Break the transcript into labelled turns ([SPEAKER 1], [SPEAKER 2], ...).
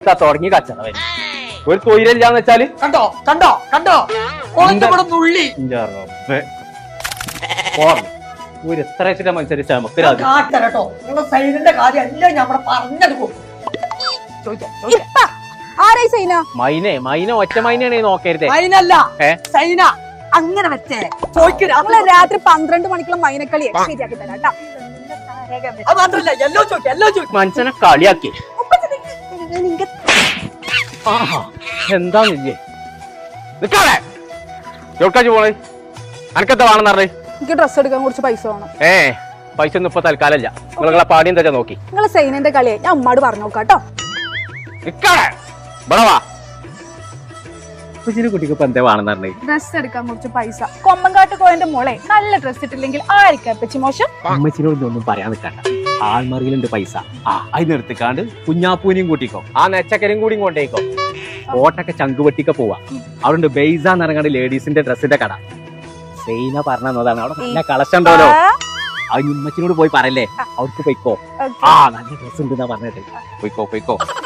[SPEAKER 1] തുടങ്ങി കച്ചറ ഒരു തൊഴിലില്ലാന്ന് വെച്ചാല്
[SPEAKER 2] കണ്ടോ കണ്ടോ കണ്ടോ ഇവിടെ നുള്ളി
[SPEAKER 1] ഒരു എത്ര വെച്ചിട്ട് മനുഷ്യരിച്ച നമുക്ക്
[SPEAKER 2] കാട്ടരട്ടോ നിങ്ങളുടെ സൈനിന്റെ കാര്യം എല്ലാം ഞാൻ പറഞ്ഞത്
[SPEAKER 1] മൈനെ മൈന ഒറ്റ മൈനയാണ് നോക്കരുതേ
[SPEAKER 2] സൈനല്ല സൈന അങ്ങനെ വെച്ചേ ചോദിക്കും
[SPEAKER 3] രാത്രി 12 മണിക്കുള്ള മൈനക്കളി ശരിയാക്കി തരാം
[SPEAKER 2] അത് മാത്രല്ല എല്ലോ ചോദിക്കും എല്ലോ ചോദിക്കും
[SPEAKER 1] മനുഷ്യനെ കളിയാക്കി എന്താന്നില്ലേ നിക്കാളെ എവിടേക്കാ പോണേ അനക്കെന്താ വേണമെന്ന് പറഞ്ഞേ
[SPEAKER 3] എനിക്ക് ഡ്രസ് എടുക്കാൻ കുറച്ച് പൈസ വേണം
[SPEAKER 1] പൈസ ഒന്നും ഇപ്പൊ തൽക്കാലല്ല നിങ്ങളെ പാടി എന്താ നോക്കി
[SPEAKER 3] നിങ്ങളെ സൈനന്റെ കളിയെ ഞാൻ ഉമ്മാട് പറഞ്ഞു നോക്കാട്ടോ
[SPEAKER 1] നിക്കാളെ ബടവാ കുട്ടിക്ക് ഇപ്പൊ എന്താ വേണമെന്ന് പറഞ്ഞേ
[SPEAKER 3] ഡ്രസ് എടുക്കാൻ കുറച്ച് പൈസ കൊമ്പങ്കാട്ട് കോയന്റെ മോളെ നല്ല ഡ്രസ് ഇട്ടില്ലെങ്കിൽ ആയിരിക്കാം പച്ചി മോശം
[SPEAKER 1] അമ്മച്ചിനോട് ഒന്നും പറയാൻ നിൽക്കണ്ട ആൾമറിയിലുണ്ട് പൈസ അതിന് എടുത്തിക്കാണ്ട് കുഞ്ഞാപ്പൂനെയും കൂട്ടിക്കോ ആ നെച്ചക്കരയും കൂടിയും കൊണ്ടേക്കോ കോട്ടൊക്കെ ചങ്കുവെട്ടിക്ക പോവാ അവിടെ ബെയ്സാന്ന് ഇറങ്ങാണ്ട് ലേഡീസിന്റെ ഡ്രസ്സിന്റെ കട സൈന പറഞ്ഞതാണ് അവിടെ നല്ല കളക്ഷൻ ഉണ്ടല്ലോ അത് ഉമ്മച്ചിനോട് പോയി പറയല്ലേ അവർക്ക് പൊയ്ക്കോ നല്ല ഡ്രസ് ഉണ്ട് പറഞ്ഞിട്ട് പൊയ്ക്കോ